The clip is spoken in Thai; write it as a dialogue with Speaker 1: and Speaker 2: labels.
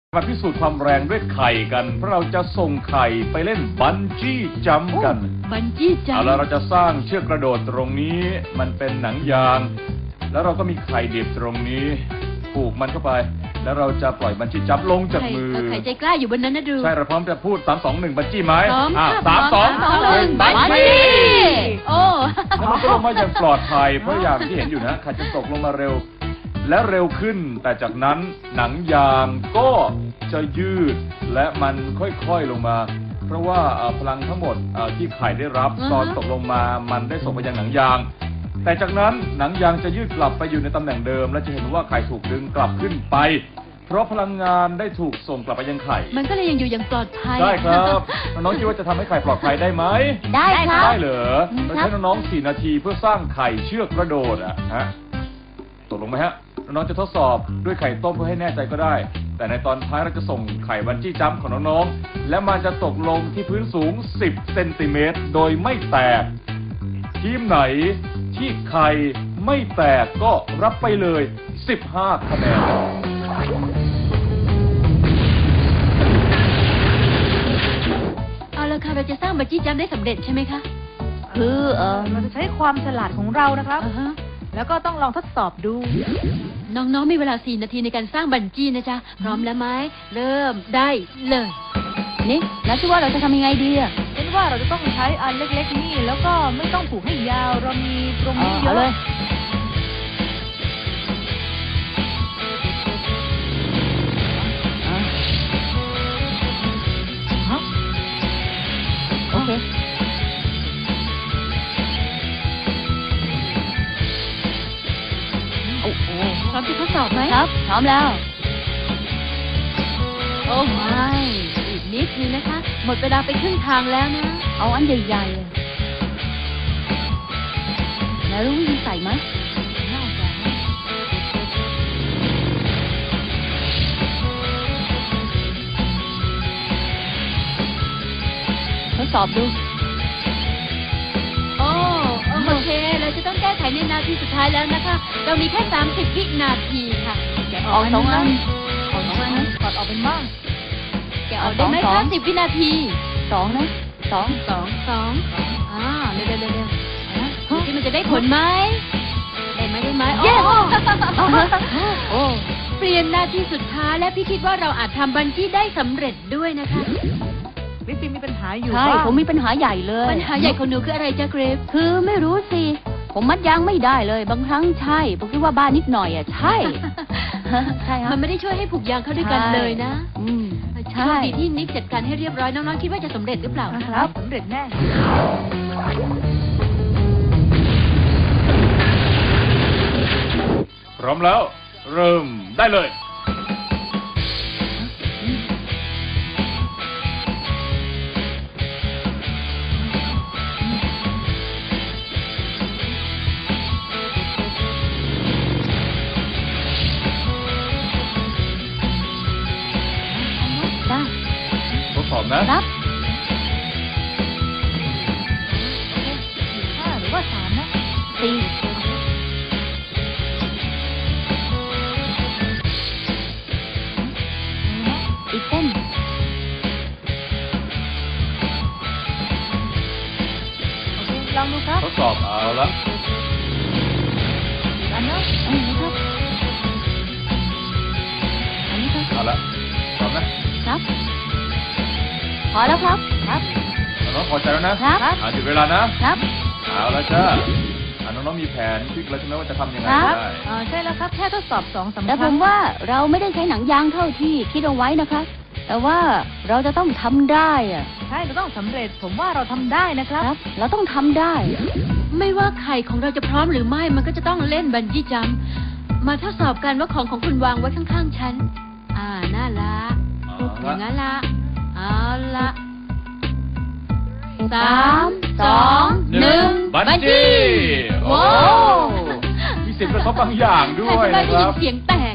Speaker 1: มาพิสูจน์ความแรงด้วยไข่กันเพราะเราจะส่งไข่ไปเล่นบันจี้จัมป์กัน
Speaker 2: บันจี้จัมป์
Speaker 1: เอาละเราจะสร้างเชือกกระโดดตรงนี้มันเป็นหนังยางแล้วเราก็มีไข่ดิบตรงนี้ผูกมันเข้าไปแล้วเราจะปล่อยบันจี้จัมป์ลงจากมือ
Speaker 2: ไข่ใจกล้าอยู่บนนั้นนะดู
Speaker 1: ใช่เราพร้อมจะพูด3 2 1บันจี้ไหม
Speaker 2: พร้อม
Speaker 1: 3 2 1บันจี้
Speaker 2: โอ้
Speaker 1: แล้วมันก็ลงมาอย่างปลอดภัยเพราะอย่างที่เห็นอยู่นะไข่จะตกลงมาเร็วและเร็วขึ้นแต่จากนั้นหนังยางก็จะยืดและมันค่อยๆลงมาเพราะว่าพลังทั้งหมดที่ไข่ได้รับตอนตกลงมามันได้ส่งไปยังหนังยางแต่จากนั้นหนังยางจะยืดกลับไปอยู่ในตำแหน่งเดิมและจะเห็นว่าไข่ถูกดึงกลับขึ้นไปเพราะพลังงานได้ถูกส่งกลับไปยังไข่
Speaker 2: มันก็เลยยังอยู่อย่างปลอดภัย
Speaker 1: ได้ครับน้องๆคิดว่าจะทำให้ไข่ปลอดภัยได้ไหม
Speaker 2: ได้ครับ
Speaker 1: ได้เหรอเราใช้น้องๆ4 นาทีเพื่อสร้างไข่เชือกกระโดดฮะตกลงไหมฮะน้องๆจะทดสอบด้วยไข่ต้มเพื่อให้แน่ใจก็ได้แต่ในตอนท้ายเราจะส่งไข่บันจี้จัมป์ของน้องๆและมันจะตกลงที่พื้นสูง10 เซนติเมตรโดยไม่แตกทีมไหนที่ไข่ไม่แตกก็รับไปเลย15 คะแนน
Speaker 2: เอาละค่ะเราจะสร้างบันจี้จัมป์ได้สำเร็จใช่ไหมคะ
Speaker 3: คือเราจะใช้ความฉลาดของเรานะครับแล้วก็ต้องลองทดสอบดู
Speaker 2: น้องๆมีเวลา4 นาทีในการสร้างบันจี้นะจ๊ะพร้อมแล้วไหมเริ่มได้เลย
Speaker 3: นี่แล้วคิดว่าเราจะทำยังไงดีอ่ะคิดว่าเราจะต้องใช้อันเล็กๆนี่แล้วก็ไม่ต้องผูกให้ยาวเรามีตรงนี้เยอะเลยโอเค
Speaker 2: พร้อมจะทดสอบไหม
Speaker 3: ครับพร้อมแล้ว
Speaker 2: โอ้ไม่อีกนิดนึงนะคะหมดเวลาไปครึ่งทางแล้วนะ
Speaker 3: เอาอันใหญ่ๆแล้วรู้วิธีใส่ไหมน่าจะทดสอบดู
Speaker 2: โอเคเราจะต้องแก้ไขในนาทีสุดท้ายแล้วนะคะเรามีแค่30 วินาทีค่ะ
Speaker 3: แกะออก2 อันออก2 อันนะถอดออกเป็นบ้าง
Speaker 2: แกะออกได้ไหมคะ10 วินาที
Speaker 3: 2นะ2
Speaker 2: เร็วที่มันจะได้ผลไหมได้ไหมโอ้เปลี่ยนนาทีสุดท้ายและพี่คิดว่าเราอาจทำบันจี้ได้สำเร็จด้วยนะคะ
Speaker 3: วิปมีปัญหาอยู่ใช่ผมมีปัญหาใหญ่เลย
Speaker 2: ปัญหาใหญ่ของหนูคืออะไรจ๊ะเกรฟ
Speaker 3: คือไม่รู้สิผมมัดยางไม่ได้เลยบางครั้งใช่ผมคิดว่าบ้านนิดหน่อยใช่
Speaker 2: ใช่ครับมันไม่ได้ช่วยให้ผูกยางเข้าด้วยกันเลยนะใช่ดีที่นิกจัดการให้เรียบร้อยน้องๆคิดว่าจะสำเร็จหรือเปล่า
Speaker 3: ครับสำเร็จแน่
Speaker 1: พร้อมแล้วเริ่มได้เลยทดสอบนะครับ
Speaker 3: 5หรือว่า3นะ4อีกเส้นโอเคลองดูครับ
Speaker 1: ทดสอบเอาละ
Speaker 3: อันนี้ครับอันนี้ครับ
Speaker 1: เอาละพร้อมนะครับ
Speaker 3: พอแล้วครับ
Speaker 1: น้องพอใจแล้วนะครับหยุดเวลานะครับเอาละจ้าน้องๆมีแผนคิดแล้วใช่ไหมว่าจะทำยังไงได้
Speaker 3: ใช่แล้วครับแค่ทดสอบ2 สำคัญแต่ผมว่าเราไม่ได้ใช้หนังยางเท่าที่คิดเอาไว้นะคะแต่ว่าเราจะต้องทำได้ใช่เราต้องสำเร็จผมว่าเราทำได้นะครับเราต้องทำได้
Speaker 2: ไม่ว่าไข่ของเราจะพร้อมหรือไม่มันก็จะต้องเล่นบันจี้จัมป์มาทดสอบกันว่าของคุณวางไว้ข้างๆฉันน่ารักอย่างนั้นละเอาละ3 2 1
Speaker 1: บันจี้โอ้มีเสียงกระทบบางอย่างด้วย
Speaker 2: นะครับได้ยินเสียงแตก